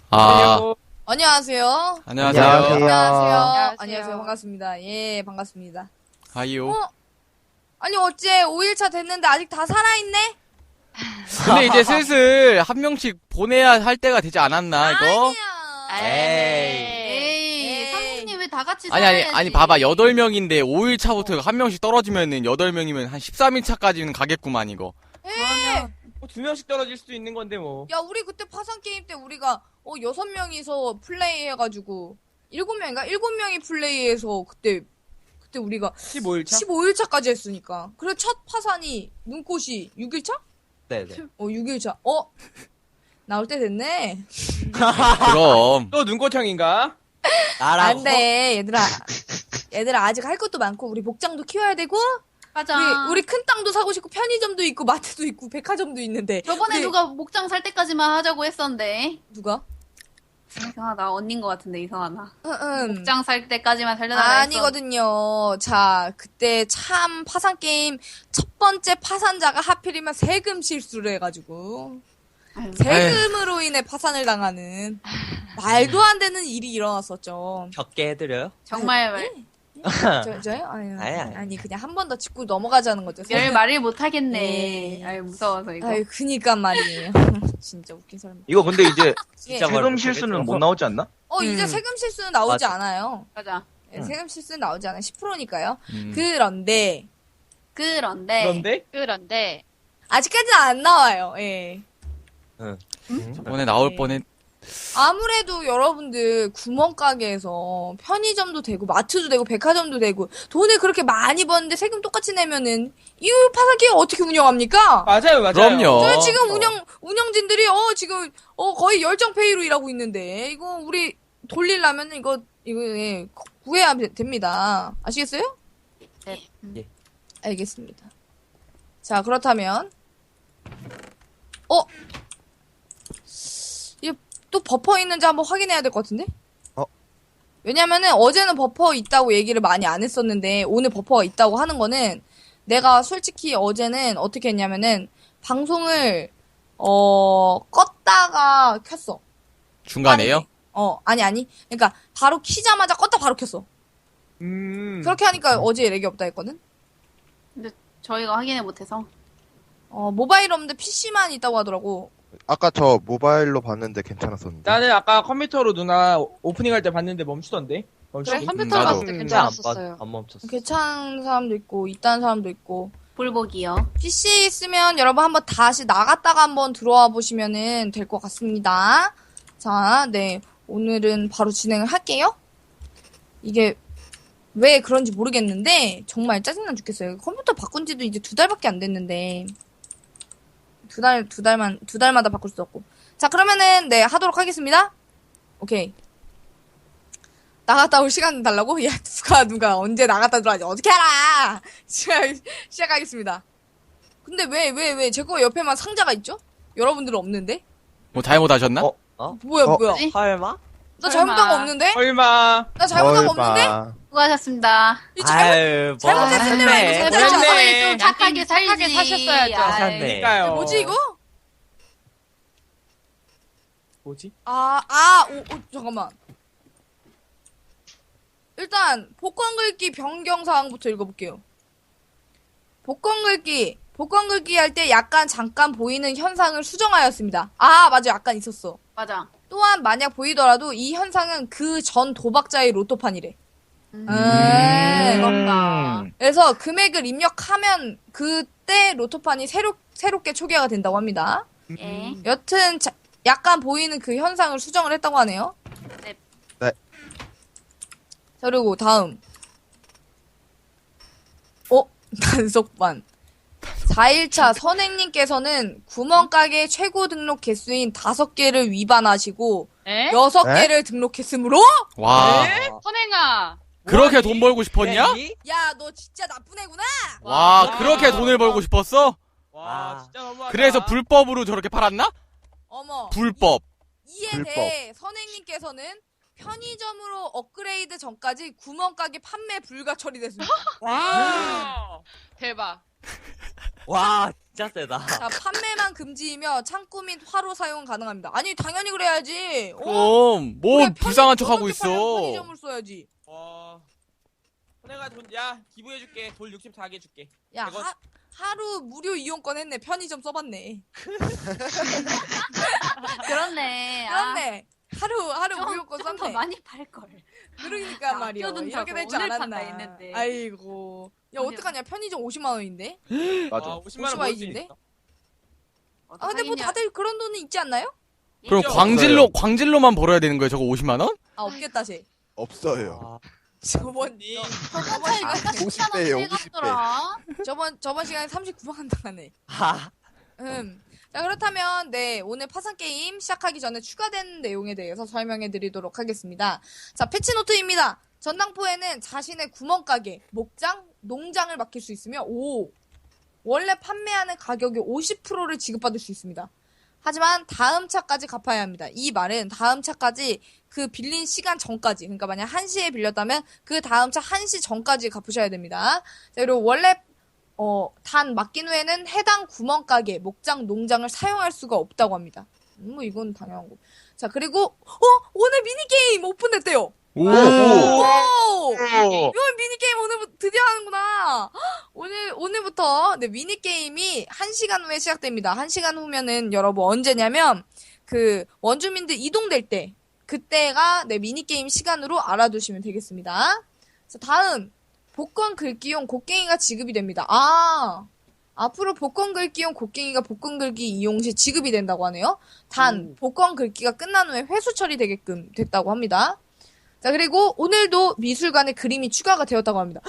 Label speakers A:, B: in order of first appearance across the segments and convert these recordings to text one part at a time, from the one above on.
A: 아,
B: 안녕하세요.
A: 안녕하세요.
B: 안녕하세요.
C: 안녕하세요.
B: 반갑습니다. 예, 반갑습니다.
A: 하이요.
B: 아니, 어째 5일차 됐는데 아직 다 살아있네?
A: 근데 이제 슬슬 한 명씩 보내야 할 때가 되지 않았나, 이거?
C: 에이, 사모님 왜 다 같이
A: 아니,
C: 살아야지.
A: 봐봐. 8명인데 5일 차부터 한 명씩 떨어지면은 8명이면 한 13일 차까지는 가겠구만, 이거.
C: 그러면
D: 뭐 2명씩 떨어질 수도 있는 건데 뭐.
B: 야, 우리 그때 파산게임 때 우리가, 6명이서 플레이해가지고, 7명인가? 7명이 플레이해서 그때 우리가
D: 15일차?
B: 15일차까지 했으니까. 그래, 첫 파산이, 눈꽃이 6일차?
D: 네네.
B: 6일차. 나올 때 됐네.
A: 그럼.
D: 또 눈꽃형인가?
B: 안 돼, 얘들아. 얘들아, 아직 할 것도 많고, 우리 복장도 키워야 되고,
C: 가자.
B: 우리 큰 땅도 사고 싶고, 편의점도 있고, 마트도 있고, 백화점도 있는데.
C: 저번에
B: 우리-
C: 누가 목장 살 때까지만 하자고 했었는데.
B: 누가?
C: 이상하다. 언닌 것 같은데 이상하다.
B: 응.
C: 목장 살 때까지만 살려달라 했어.
B: 아니거든요. 자, 그때 참 파산게임 첫 번째 파산자가 하필이면 세금 실수를 해가지고,
C: 아유,
B: 세금으로 인해 파산을 당하는, 말도 안 되는 일이 일어났었죠.
E: 적게 해드려요?
C: 정말 말.
B: 저요?
E: 아니.
B: 아니, 그냥 한 번 더 짚고 넘어가자는 거죠.
C: 별 말을 못 하겠네.
B: 네.
C: 아유, 무서워서 이거.
B: 아유, 그니까 말이에요. 진짜 웃긴 사람.
F: 이거 근데 이제
B: 진짜
F: 세금 실수는 못 나오지 않나?
B: 이제 세금 실수는 나오지
E: 맞아.
B: 않아요.
C: 가자.
B: 예, 세금 실수는 나오지 않아요. 10%니까요.
A: 음.
B: 그런데,
C: 그런데.
G: 그런데
B: 아직까지는 안 나와요. 예.
A: 저번에 나올
B: 네.
A: 뻔했,
B: 아무래도 여러분들 구멍가게에서 편의점도 되고 마트도 되고 백화점도 되고 돈을 그렇게 많이 버는데 세금 똑같이 내면은 이 파산기업 어떻게 운영합니까?
D: 맞아요.
A: 그럼요.
B: 저희 지금 운영진들이 지금 거의 열정페이로 일하고 있는데 이거 우리 돌리려면 이거 예, 구해야 됩니다. 아시겠어요?
C: 네.
E: 예.
B: 알겠습니다. 자, 그렇다면 이게 또 버퍼 있는지 한번 확인해야 될 것 같은데? 왜냐면은 어제는 버퍼 있다고 얘기를 많이 안 했었는데 오늘 버퍼가 있다고 하는 거는 내가 솔직히 어제는 어떻게 했냐면은 방송을 껐다가 켰어.
A: 중간에요?
B: 아니. 그러니까 바로 키자마자 껐다 바로 켰어. 그렇게 하니까 어제 렉이 없다 했거든?
C: 근데 저희가 확인을 못해서.
B: 모바일 없는데 PC만 있다고 하더라고.
H: 아까 저 모바일로 봤는데 괜찮았었는데.
D: 나는 아까 컴퓨터로 누나 오프닝 할 때 봤는데 멈추던데. 멈추긴?
G: 컴퓨터로
A: 나도.
G: 봤을 때
E: 안,
G: 괜찮았었어요.
E: 안 멈췄어.
B: 괜찮은 사람도 있고 있다는 사람도 있고.
C: 볼복이요.
B: PC 있으면 여러분 한번 다시 나갔다가 한번 들어와 보시면은 될 것 같습니다. 자, 네. 오늘은 바로 진행을 할게요. 이게 왜 그런지 모르겠는데 정말 짜증나 죽겠어요. 컴퓨터 바꾼 지도 이제 2달밖에 안 됐는데 두 달마다 바꿀 수 없고. 자, 그러면은 네, 하도록 하겠습니다. 오케이. 나갔다 올 시간 달라고? 야, 누가 언제 나갔다 들어가지? 어떻게 알아? 시작하겠습니다. 근데 왜, 제 거 옆에만 상자가 있죠? 여러분들은 없는데?
A: 뭐 잘못하셨나?
B: 뭐야.
E: 설마?
B: 나 잘못한 거 없는데?
D: 얼마?
B: 나 잘못한 거 없는데?
C: 수고하셨습니다.
B: 이
E: 아유,
B: 잘못했을 때만 이거
E: 했네.
B: 잘못했잖아.
D: 잘했네.
C: 좀 착하게 살지.
G: 착하게 사셨어야죠.
C: 아이,
E: 하셨네.
D: 그러니까요.
B: 뭐지, 이거?
D: 뭐지?
B: 잠깐만. 일단, 복권 긁기 변경 사항부터 읽어볼게요. 복권 긁기 할 때 약간 잠깐 보이는 현상을 수정하였습니다. 맞아. 약간 있었어.
C: 맞아.
B: 또한 만약 보이더라도 이 현상은 그 전 도박자의 로또판이래.
C: 부럽다.
B: 그래서 금액을 입력하면 그때 로또판이 새롭게 초기화가 된다고 합니다.
C: 예.
B: 여튼 약간 보이는 그 현상을 수정을 했다고 하네요.
C: 네.
H: 네.
B: 자, 그리고 다음. 단속반. 4일차 선행님께서는 구멍가게 최고 등록 개수인 5개를 위반하시고
G: 에?
B: 6개를 등록했으므로
A: 와.
G: 선행아.
A: 그렇게 돈 벌고 싶었냐?
B: 야, 너 진짜 나쁜 애구나.
A: 와, 그렇게 돈을 벌고 싶었어?
D: 와, 진짜 너무하다.
A: 그래서 불법으로 저렇게 팔았나?
B: 어머.
A: 불법.
B: 이에 대해 선행님께서는 편의점으로 업그레이드 전까지 구멍가게 판매 불가 처리됐습니다.
G: 대박.
E: 와, 진짜 세다.
B: 자, 판매만 금지이며 창고 및 화로 사용 가능합니다. 아니, 당연히 그래야지.
A: 그럼 뭐
B: 그래,
A: 불쌍한 척 하고
B: 저렇게 팔려면
A: 있어.
B: 편의점을 써야지.
D: 내가 야, 기부해줄게. 돌 64개 줄게.
B: 야,
D: 이거-
B: 하루 무료 이용권 했네. 편의점 써봤네.
C: 그렇네. 아,
B: 그렇네. 하루 무료권
C: 좀더
B: 썼네.
C: 많이 팔걸.
B: 그러니까 말이야.
C: 아껴둔다고
B: 이렇게 될 줄
C: 오늘
B: 알았나.
C: 판다 했는데.
B: 아이고. 야,
C: 아니,
B: 어떡하냐. 편의점 50만 원인데?
H: 맞아.
D: 50만 원
B: 50만
D: 벌 수
B: 원인데?
D: 있어.
B: 아, 근데 뭐 다들 그런 돈은 있지 않나요?
A: 그럼
D: 있죠.
A: 광질로만 벌어야 되는 거예요, 저거 50만 원?
B: 아, 없겠다, 쟤.
H: 없어요.
B: 저번,
D: 님,
C: 저번 차이가
H: 50배예요, 50배.
B: 저번 시간에 39만 원 당하네.
E: 아,
B: 자, 그렇다면, 네, 오늘 파산게임 시작하기 전에 추가된 내용에 대해서 설명해 드리도록 하겠습니다. 자, 패치노트입니다. 전당포에는 자신의 구멍가게, 목장, 농장을 맡길 수 있으며, 원래 판매하는 가격의 50%를 지급받을 수 있습니다. 하지만 다음 차까지 갚아야 합니다. 이 말은 다음 차까지 그 빌린 시간 전까지, 그러니까 만약 1시에 빌렸다면 그 다음 차 1시 전까지 갚으셔야 됩니다. 자, 그리고 원래 단 맡긴 후에는 해당 구멍가게, 목장, 농장을 사용할 수가 없다고 합니다. 뭐 이건 당연한 거. 자, 그리고 오늘 미니게임 오픈됐대요.
A: 오.
B: 오! 이건 미니게임 오늘부터 드디어 하는구나. 오늘부터 네, 미니게임이 1시간 후에 시작됩니다. 1시간 후면은 여러분 언제냐면 그 원주민들 이동될 때 그때가 네, 미니게임 시간으로 알아두시면 되겠습니다. 자, 다음 복권 긁기용 곡괭이가 지급이 됩니다. 앞으로 복권 긁기용 곡괭이가 복권 긁기 이용 시 지급이 된다고 하네요. 단 복권 긁기가 끝난 후에 회수 처리되게끔 됐다고 합니다. 자, 그리고 오늘도 미술관에 그림이 추가가 되었다고 합니다.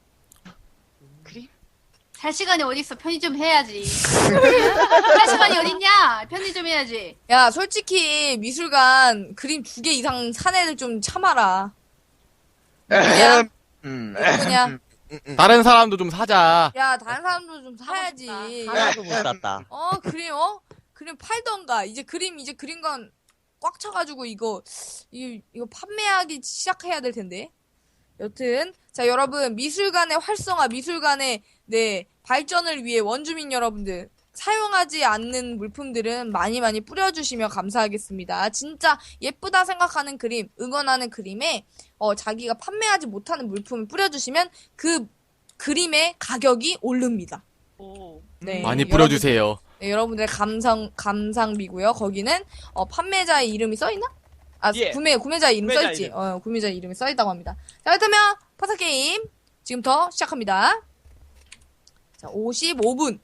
C: 살 시간이 어딨어. 편의점 해야지. 살 시간이 어딨냐? 편의점 해야지.
B: 야, 솔직히 미술관 그림 2개 이상 산 애들 좀 참아라. 그냥 그냥
A: 다른 사람도 좀 사자.
B: 야, 다른 사람도 좀 사야지.
E: 하나도 못 샀다.
B: 그림 팔던가. 이제 그림 건 꽉 차가지고 이거 판매하기 시작해야 될 텐데. 여튼 자, 여러분 미술관의 활성화, 미술관의 네 발전을 위해 원주민 여러분들 사용하지 않는 물품들은 많이 뿌려주시면 감사하겠습니다. 진짜 예쁘다 생각하는 그림, 응원하는 그림에 자기가 판매하지 못하는 물품을 뿌려주시면 그 그림의 가격이 오릅니다. 네,
A: 많이 뿌려주세요.
B: 여러분들의 감상비고요. 거기는 판매자의 이름이 써있나?
D: 예.
B: 구매자 이름
D: 구매자
B: 써있지.
D: 이름.
B: 구매자 이름이 써있다고 합니다. 자, 그렇다면 파사게임 지금부터 시작합니다. 자, 55분.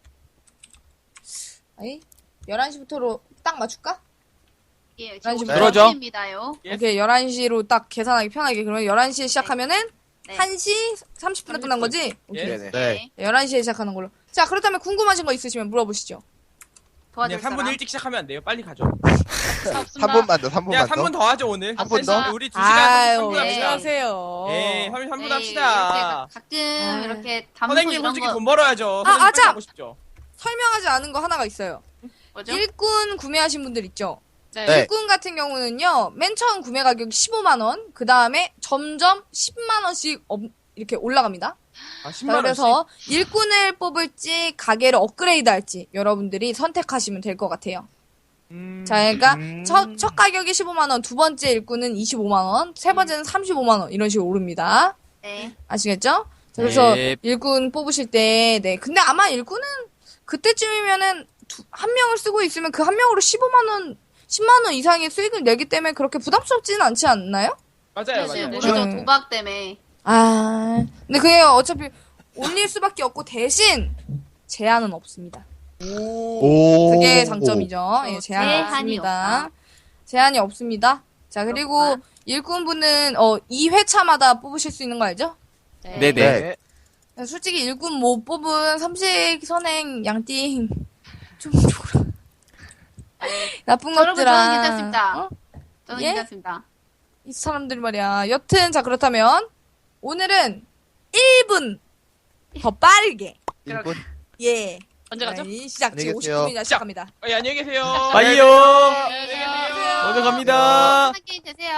B: 아이, 11시부터로 딱 맞출까?
C: 예,
B: 난 지금
A: 그러죠.
C: 입니다요.
D: 예.
B: 오케이, 11시로 딱 계산하기 편하게. 그러면 11시에 시작하면은
C: 네.
B: 1시 30분에 끝난 거지? 오케이.
D: 예.
H: 네네.
E: 네.
B: 11시에 시작하는 걸로. 자, 그렇다면 궁금하신 거 있으시면 물어보시죠.
C: 도와줄
D: 그냥 3분
C: 사람.
D: 일찍 시작하면 안 돼요. 빨리 가죠.
G: 없습니다.
H: 3분만 더, 3분만
D: 야,
H: 더.
D: 3분 더 하죠, 오늘.
H: 한분 더?
D: 우리 2시간
B: 아유,
D: 3분
B: 왜
D: 합시다.
B: 그러세요?
D: 예, 3분
C: 네,
D: 합시다.
C: 이렇게 가끔
B: 아.
C: 이렇게 담소
D: 선생님
C: 이런
D: 솔직히
C: 거
D: 돈 벌어야죠.
B: 아,
D: 선생님
B: 아참!
D: 빨리 하고 싶죠.
B: 설명하지 않은 거 하나가 있어요.
C: 뭐죠?
B: 일꾼 구매하신 분들 있죠?
G: 네.
H: 네.
B: 일꾼 같은 경우는요, 맨 처음 구매 가격이 15만원, 그 다음에 점점 10만원씩 이렇게 올라갑니다.
D: 아,
B: 자,
D: 10만 원씩.
B: 그래서 일꾼을 뽑을지, 가게를 업그레이드 할지, 여러분들이 선택하시면 될 것 같아요. 자, 그러니까, 첫 가격이 15만원, 두 번째 일꾼은 25만원, 세 번째는 35만원, 이런 식으로 오릅니다.
C: 네.
B: 아시겠죠? 자, 그래서
A: 네.
B: 일꾼 뽑으실 때, 네. 근데 아마 일꾼은 그때쯤이면은 한 명을 쓰고 있으면 그 한 명으로 15만원, 10만원 이상의 수익을 내기 때문에 그렇게 부담스럽지는 않지 않나요?
D: 맞아요,
C: 사실
D: 맞아요.
C: 모르죠.
B: 네.
C: 도박 때문에.
B: 근데 그게 어차피 올릴 수밖에 없고 대신 제한은 없습니다.
H: 오.
B: 그게 장점이죠. 예, 제한이
C: 제한이
B: 없습니다.
C: 없다.
B: 제한이 없습니다. 자, 그리고
C: 그렇구나.
B: 일꾼분은 2회차마다 뽑으실 수 있는 거 알죠?
A: 네네.
H: 네.
B: 솔직히 일꾼 못 뽑은 삼식 선행 양띵 좀 줘라. 나쁜
C: 여러분
B: 것들아.
C: 저는 괜찮습니다. 저는
B: 예?
C: 괜찮습니다.
B: 이 사람들이 말이야. 여튼 자, 그렇다면 오늘은 1분 더 빠르게
H: 1분.
B: 예.
G: 언제 가죠?
B: 시작.
H: 안녕히
B: 지금
H: 계세요.
B: 59분이나 시작합니다.
D: 예, 안녕히 계세요.
A: 빠이요.
B: 안녕하세요.
A: 먼저 갑니다.
C: 한 게임 되세요.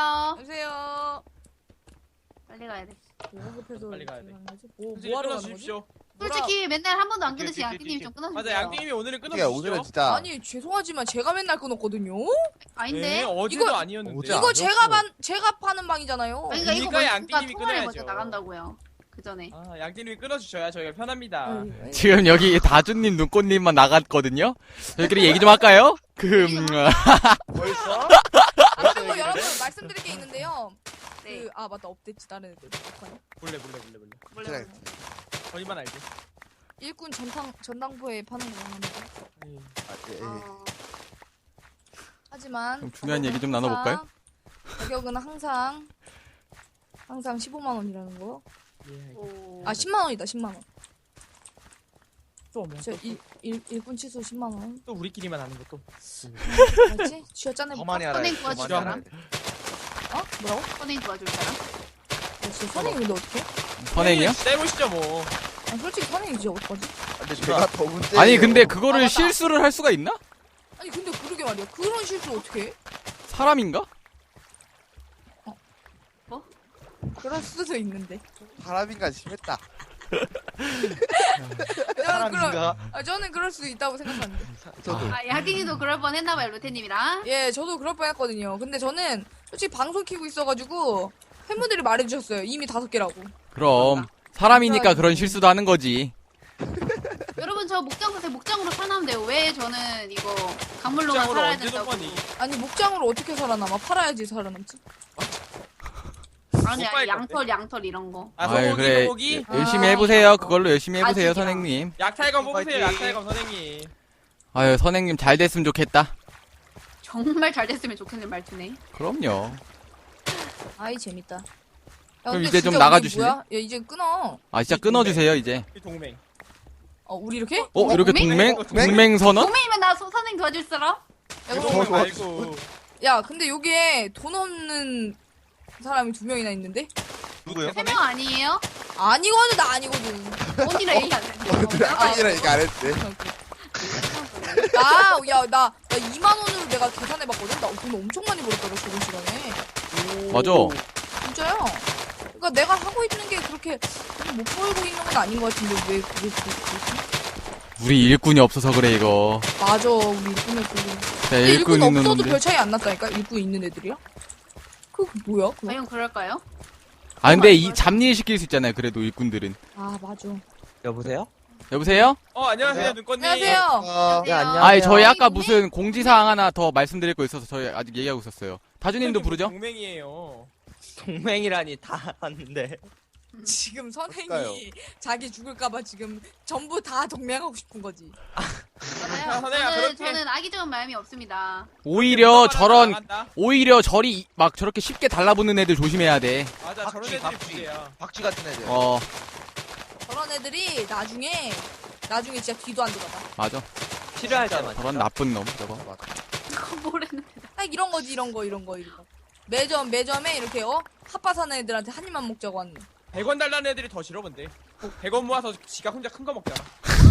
B: 안녕하세요.
C: 빨리 가야 돼.
B: 뭐가 급해서
D: 빨리 가야 돼.
B: 뭐
D: 선생님
B: 하러 가는 거지?
D: 끊어주십시오.
C: 솔직히 맨날 한 번도 안 끊으신 양띵님이 좀 끊어주세요.
D: 맞아, 양띵님이 오늘은
H: 그러니까
D: 끊어주시죠.
H: 오늘은 진짜
B: 아니 죄송하지만 제가 맨날 끊었거든요.
C: 아닌데?
D: 네, 어제도
B: 이거-
D: 아니었는데.
H: 어제
B: 이거
H: 아니었어.
B: 제가 파는 방이잖아요.
C: 아니, 그러니까 이거
D: 그러니까
C: 먼저
D: 양띵님이
C: 통화를
D: 끊어야죠.
C: 먼저 나간다고요. 그 전에.
D: 아, 양띵님이 끊어주셔야 저희가 편합니다.
A: 지금 여기 다주님, 눈꽃님만 나갔거든요? 저희끼리 얘기 좀 할까요?
H: 벌써?
B: 아무튼 뭐 여러분 말씀드릴 게 있는데요.
C: 네.
B: 아 맞다 업데이트 다른 애들 어떡하냐?
D: 몰래.
C: 몰래.
D: 저희만 알죠.
B: 일꾼 전당포에 파는 거 합니다.
C: 어,
B: 하지만
A: 그럼 중요한 얘기 좀
B: 가격은
A: 나눠볼까요?
B: 가격은 항상 15만 원이라는 거.
D: 예.
C: 오.
B: 아 10만 원이다 10만 원.
D: 또 뭐?
B: 저 일꾼 취소 10만 원.
D: 또 우리끼리만 하는 것도.
B: 맞지? 쥐어짜내
H: 더
B: 볼까?
H: 많이 알아야
C: 선행
H: 돼. 더
C: 도와줄
H: 많이 알아야
C: 사람?
H: 돼.
B: 어? 뭐라고?
C: 선행 도와줄 사람?
B: 진짜 선행이 근데 어떡해?
A: 선행이요?
D: 떼보시죠 뭐.
B: 아 솔직히 선행이 진짜 어떡하지?
H: 근데 제가 더 문제.
A: 아니, 근데 그거를
B: 맞다.
A: 실수를 할 수가 있나?
B: 아니 근데 그러게 말이야 그런 실수 어떻게 해?
A: 사람인가?
B: 그럴 수도 있는데.
H: 사람인가 심했다.
B: 저는 그럴 수도 있다고 생각하는데.
H: 저도.
C: 아, 양띵님도 그럴 뻔 했나봐요, 루테님이랑.
B: 예, 저도 그럴 뻔했거든요. 근데 저는 솔직히 방송 키고 있어가지고 팬분들이 말해주셨어요. 이미 5개라고.
A: 그럼. 사람이니까 그런 실수도 하는 거지.
C: 여러분, 저 목장 사세요. 목장으로 살아나면 돼요. 왜 저는 이거 강물로만
D: 장으로
C: 살아야
D: 언제
C: 된다고.
D: 줬거니?
B: 아니 목장으로 어떻게 살아남아? 팔아야지 살아남지.
C: 아니야,
D: 못 팔
C: 양털 이런 거.
D: 아,
A: 아유,
D: 소고기,
A: 그래.
D: 소고기?
A: 열심히 해보세요. 그걸로 열심히 해보세요,
C: 진짜.
A: 선생님.
D: 약탈검 뽑으세요,
H: 파이팅.
D: 약탈검 선생님.
A: 아유, 선생님 잘 됐으면 좋겠다.
C: 정말 잘 됐으면 좋겠는 말투네.
A: 그럼요.
B: 아이 재밌다. 야,
A: 그럼
B: 근데
A: 이제 좀
B: 진짜
A: 나가주실래?
B: 우리 뭐야? 야 이제 끊어.
A: 아, 진짜 끊어주세요, 이제.
D: 이 동맹.
B: 우리 이렇게?
A: 이렇게
C: 동맹?
A: 동맹 선언?
C: 동맹이면 나 선생 도와줄 사람?
B: 야, 그럼-
D: 동맹 말고.
B: 야 근데 여기에 돈 없는 사람이 2명이나 있는데?
H: 누구요?
C: 3명 아니에요?
B: 아니거든 나 아니거든.
C: 언니랑 얘기 안 했는데.
H: 아니라 이거 안 했대.
B: 나 2만 원으로 내가 계산해봤거든. 나 돈 엄청 많이 벌었거든 저번 시간에.
A: 맞아.
B: 진짜요? 그러니까 내가 하고 있는 게 그렇게 못 벌고 있는 건 아닌 것 같은데 왜 그게 그렇지?
A: 우리 일꾼이 없어서 그래, 이거.
B: 맞아 우리 일꾼을 보고.
A: 자,
B: 근데
A: 일꾼
B: 일꾼
A: 있는
B: 없어도
A: 놈들.
B: 별 차이 안 났다니까? 일꾼 있는 애들이야? 그거 뭐야? 그거?
C: 과연 그럴까요?
A: 아, 근데 이 잡일 시킬 수 있잖아요, 그래도 일꾼들은.
B: 아 맞아.
E: 여보세요?
A: 여보세요?
D: 안녕하세요, 눈꽃님.
B: 안녕하세요.
E: 네, 안녕.
A: 아니, 저희 아까
C: 동맹?
A: 무슨 공지사항 하나 더 말씀드릴 거 있어서 저희 아직 얘기하고 있었어요. 다주님도 부르죠?
D: 동맹이에요.
E: 동맹이라니 다 왔는데.
B: 지금 선행이
H: 그럴까요?
B: 자기 죽을까봐 지금 전부 다 동맹하고 싶은 거지.
C: 맞아요.
D: 선생아, 그렇게-
C: 저는 악의적인 마음이 없습니다.
A: 오히려 저런,
D: 나간다.
A: 오히려 저리 막 저렇게 쉽게 달라붙는 애들 조심해야 돼.
D: 맞아, 저런
H: 박쥐,
D: 애들이
H: 박쥐.
D: 문제야.
H: 박쥐 같은 애들.
B: 저런 애들이 나중에 진짜 뒤도 안 돌아봐.
A: 맞아.
E: 필요할 때만.
A: 저런 나쁜 놈, 저거.
C: 그거 뭐랬는데.
B: 딱 이런 거지 이런 거. 매점에 이렇게 핫바사는 애들한테 한 입만 먹자고 하는.
D: 100원 달라는 애들이 더 싫어, 근데. 100원 모아서 지가 혼자 큰 거 먹잖아.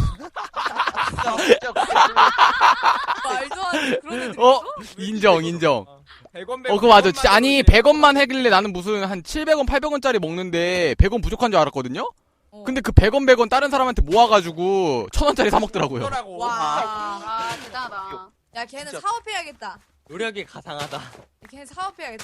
B: 말도 안 돼. 그런 애들.
A: 인정.
D: 100원,
A: 그거 맞아. 진짜, 아니, 100원만 해길래 나는 무슨 한 700원, 800원짜리 먹는데 100원 부족한 줄 알았거든요? 근데 그 100원 다른 사람한테 모아가지고 1000원짜리 사먹더라고요.
D: 그거라고.
B: 와.
C: 아, 대단하다.
B: 야 걔는
E: 진짜.
B: 사업해야겠다.
E: 노력이 가상하다.
B: 걔는 사업해야겠다.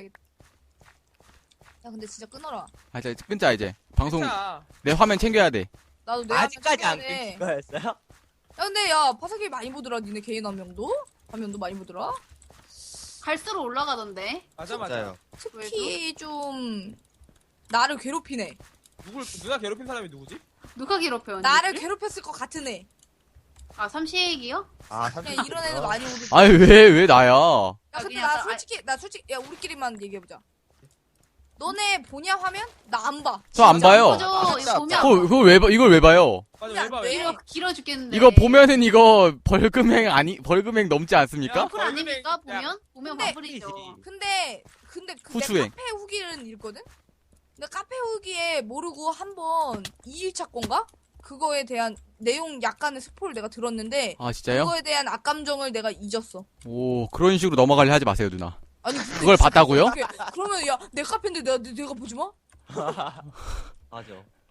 B: 야 근데 진짜 끊어라.
A: 아, 이제 끊자, 이제. 방송,
D: 진짜.
A: 내 화면 챙겨야 돼.
B: 나도 내
E: 아직까지 안
B: 화면 챙겨야 돼.
E: 끊긴 거였어요?
B: 야 근데 야 파사기 많이 보더라. 니네 개인 화면도 많이 보더라.
C: 갈수록 올라가던데.
D: 맞아, 맞아.
H: 맞아요.
B: 특히 좀 나를 괴롭히네.
D: 누가 괴롭힌 사람이 누구지?
C: 누가 괴롭혀요?
B: 나를 괴롭혔을 것 같은 애.
C: 아, 삼시얘기요?
H: 아,
B: 그냥 이런 애들 많이 오거든.
A: 아니, 왜 나야?
B: 야 근데
C: 그냥
B: 나 솔직히 야 우리끼리만 얘기해보자. 너네 보냐 화면? 나 안 봐.
A: 저 안 봐요.
C: 그죠?
H: 진짜
C: 이거 보면
A: 이걸 왜 봐요?
D: 맞아, 왜 봐, 왜
C: 길어,
D: 봐.
C: 길어 죽겠는데.
A: 이거 보면은 이거 벌금행 넘지 않습니까?
C: 와플 아닙니까?
D: 야,
C: 보면
B: 근데-
C: 와플이죠.
B: 근데 그
A: 후추행.
B: 카페 후기는 읽거든? 근데 카페 후기에 모르고 한번 2일차 건가? 그거에 대한 내용 약간의 스포를 내가 들었는데
A: 아, 진짜요?
B: 그거에 대한 악감정을 내가 잊었어.
A: 오, 그런 식으로 넘어가려 하지 마세요, 누나.
B: 아니 근데
A: 그걸 봤다고요?
B: 그러면 야 내 카페인데 내가 보지 마?
E: 맞아.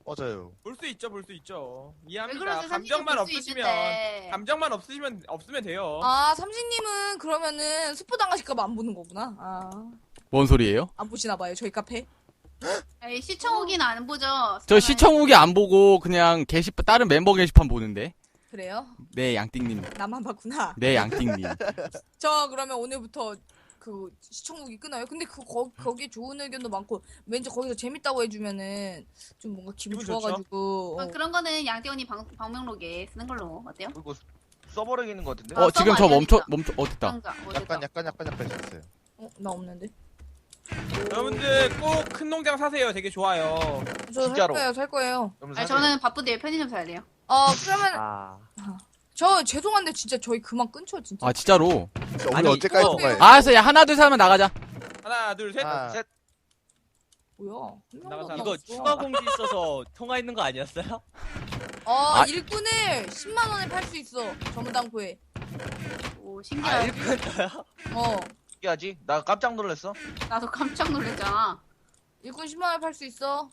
H: 맞아요.
D: 볼 수 있죠, 볼 수 있죠.
C: 왜
D: 이해합니다.
C: 그러세요?
D: 감정만
C: 볼수
D: 없으시면
C: 있는데.
D: 감정만 없으면 돼요.
B: 아, 삼식님은 그러면은 스포 당하실까봐 안 보는 거구나. 아,
A: 뭔 소리예요?
B: 안 보시나봐요, 저희 카페.
C: 에이, 시청 후기는 안 보죠.
A: 저 시청 후기 안 보고 그냥 다른 멤버 게시판 보는데.
B: 그래요?
A: 네, 양띵님.
B: 나만 봤구나.
A: 네, 양띵님.
B: 저 그러면 오늘부터 그 시청국이 끊어요. 근데 거기 좋은 의견도 많고 왠지 거기서 재밌다고 해주면은 좀 뭔가 기분
D: 기분 좋죠?
B: 좋아가지고.
C: 그런 거는 양태원이 방명록에 쓰는 걸로 어때요?
F: 그리고 써버리겠는 것 같은데?
A: 지금 저
C: 써봐,
A: 멈춰,
C: 알려주자.
A: 됐다.
C: 그런가? 뭐 됐다.
H: 약간 있었어요.
B: 나 없는데.
D: 여러분들 꼭 큰 농장 사세요. 되게 좋아요.
B: 저
F: 진짜로.
B: 살 거예요.
F: 그럼
C: 아니,
F: 사세요.
C: 저는 바쁜데 편의점 사야 돼요.
B: 그러면
E: 아.
B: 저 죄송한데 진짜 저희 그만 끊죠 진짜.
A: 아, 진짜로.
H: 우리
E: 아니,
H: 언제까지
E: 이거-
H: 통화해?
A: 알았어, 야, 하나, 둘, 셋 하면 나가자.
D: 하나, 둘, 셋.
H: 아,
F: 셋.
B: 뭐야? 한 명도
D: 나가자.
B: 안
E: 이거
B: 왔어.
E: 추가 공지 있어서 통화 있는 거 아니었어요?
B: 일꾼을 10만 원에 팔 수 있어. 전문당포에.
C: 오,
E: 아,
C: 신기하다.
E: 일꾼도요?
F: 신기하지? 나 깜짝 놀랐어.
C: 나도 깜짝 놀랐잖아.
B: 일꾼 10만 원에 팔 수 있어.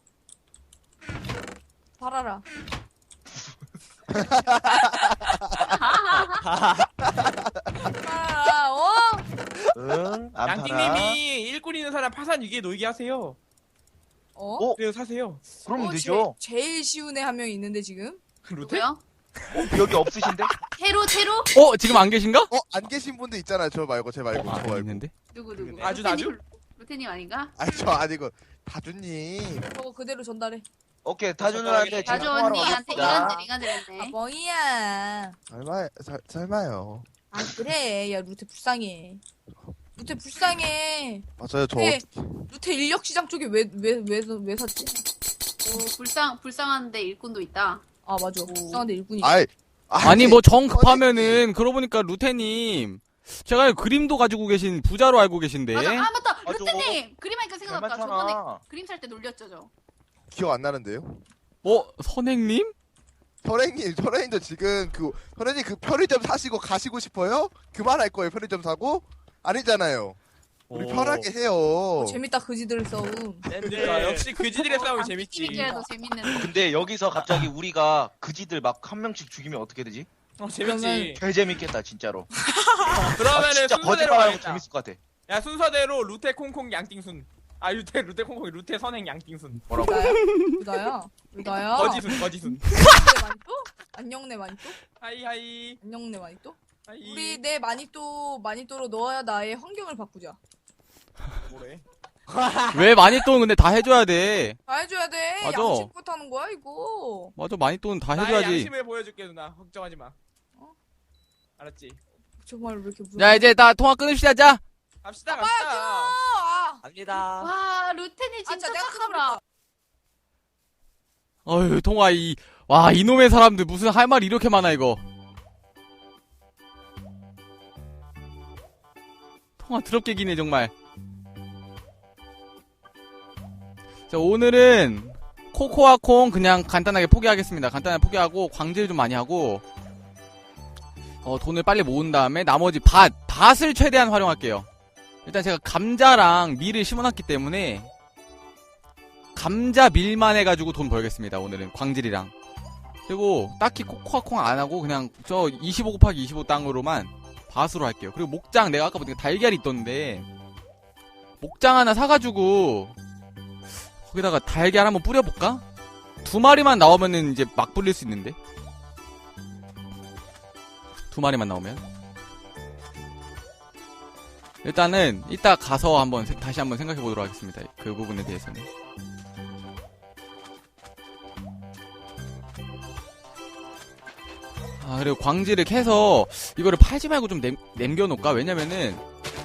B: 팔아라. 팔아라.
F: 응? 안 팔아.
D: 양띵님이 일꾼 있는 사람 파산 위기에 놓이게 하세요. 그래서 사세요.
F: 그러면 되죠.
B: 제일 쉬운 애 한 명 있는데 지금.
D: 루테?
C: 누구요?
F: 여기 없으신데?
C: 테로?
A: 지금 안 계신가?
H: 안 계신 분도 있잖아요. 저 말고, 제 말고, 저 말고.
A: 있는데?
C: 누구?
D: 아주?
C: 루테님 아닌가?
H: 아니, 저 아니고, 다주님.
B: 저거 그대로 전달해.
F: 오케이, 다준이한테 지금
C: 자주
F: 통화로
C: 언니한테
F: 가겠습니다.
C: 이간질했네.
B: 멍이야.
H: 설마요.
B: 아 그래. 야 루테 불쌍해. 루테 불쌍해.
H: 맞아요, 저.
B: 네. 루테 인력시장 쪽에 왜 샀지?
C: 오, 불쌍한데 일꾼도 있다.
B: 아 맞아. 불쌍한데 일꾼이.
A: 아니, 뭐 정 급하면은, 그러고 보니까 루테님, 제가 그림도 가지고 계신 부자로 알고 계신데.
C: 맞아. 아, 맞다.
F: 맞아.
C: 루테님! 그림 하니까 생각났다.
F: 잘
C: 저번에
F: 맞잖아.
C: 그림 살 때 놀렸죠, 저.
H: 기억 안 나는데요?
A: 선행님?
H: 선생님도 지금 선생님 편의점 사시고 가시고 싶어요? 그만할 거예요, 편의점 사고? 아니잖아요. 우리 편하게 해요.
B: 재밌다 그지들 싸움.
D: 그러니까 역시 그지들의 싸움이 재밌지.
C: 팀이라도 재밌는.
F: 근데 여기서 갑자기 우리가 그지들 막 한 명씩 죽이면 어떻게 되지?
D: 재밌지.
F: 개 재밌겠다, 진짜로.
D: 그러면은
F: 진짜
D: 순서대로
F: 거짓말하고
D: 가겠다.
F: 재밌을 것 같아.
D: 야, 순서대로 루테 콩콩 양띵순. 아, 루테 콩콩 루테 선행 양띵순.
F: 뭐라고?
B: 루다야.
D: 거지순.
B: 안녕네 마니또?
D: 하이하이.
B: 안녕네 마니또?
D: 하이.
B: 우리 내 마니또로 넣어야 나의 환경을 바꾸자.
D: 뭐래?
A: 왜 마니또는 근데 다 해줘야 돼.
B: 다 해줘야 돼.
A: 맞아.
B: 양식부터 하는 거야 이거.
A: 맞아, 마니또는 다
D: 나의
A: 해줘야지.
D: 양심을 보여줄게, 누나. 걱정하지 마. 알았지?
B: 정말 왜 이렇게
A: 자, 이제 나 통화 끊읍시다, 자.
D: 갑시다.
E: 갑니다.
C: 와, 루테님 진짜 착하더라.
A: 어휴, 통화 이놈의 사람들 무슨 할 말이 이렇게 많아, 이거. 통화 더럽게 기네, 정말. 자, 오늘은 코코아 콩 그냥 간단하게 포기하겠습니다. 간단하게 포기하고, 광질 좀 많이 하고, 돈을 빨리 모은 다음에 나머지 밭을 최대한 활용할게요. 일단 제가 감자랑 밀을 심어놨기 때문에, 감자 밀만 해가지고 돈 벌겠습니다. 오늘은 광질이랑. 그리고 딱히 코코아콩 안 하고 그냥 저 25 곱하기 25 땅으로만 밭으로 할게요. 그리고 목장 내가 아까 보니까 달걀이 있던데 목장 하나 사가지고 거기다가 달걀 한번 뿌려볼까? 2마리만 나오면은 이제 막 불릴 수 있는데 2마리만 나오면 일단은 이따 가서 다시 한번 생각해 보도록 하겠습니다. 그 부분에 대해서는. 그리고 광질을 캐서 이거를 팔지 말고 좀 남겨놓을까? 왜냐면은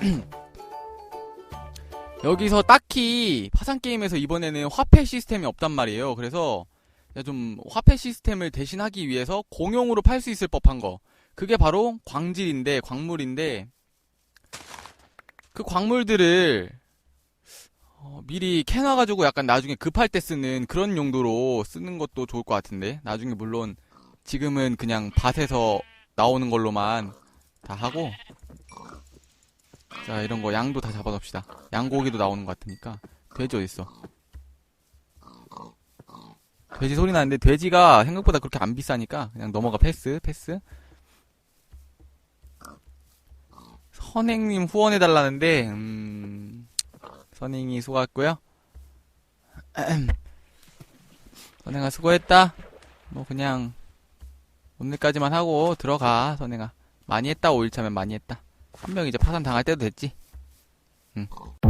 A: 여기서 딱히 파산게임에서 이번에는 화폐 시스템이 없단 말이에요. 그래서 좀 화폐 시스템을 대신하기 위해서 공용으로 팔 수 있을 법한 거, 그게 바로 광물인데 그 광물들을 미리 캐놔가지고 약간 나중에 급할 때 쓰는 그런 용도로 쓰는 것도 좋을 것 같은데, 나중에 물론 지금은 그냥 밭에서 나오는 걸로만 다 하고, 자, 이런 거 양도 다 잡아놓읍시다. 양고기도 나오는 것 같으니까. 돼지 어딨어? 돼지 소리 나는데 돼지가 생각보다 그렇게 안 비싸니까 그냥 넘어가. 패스. 선행님 후원해달라는데 선행이 수고했고요. 선행아 수고했다. 뭐 그냥 오늘까지만 하고 들어가. 선행아 많이 했다. 5일차면 많이 했다. 한 명 이제 파산 당할 때도 됐지. 응.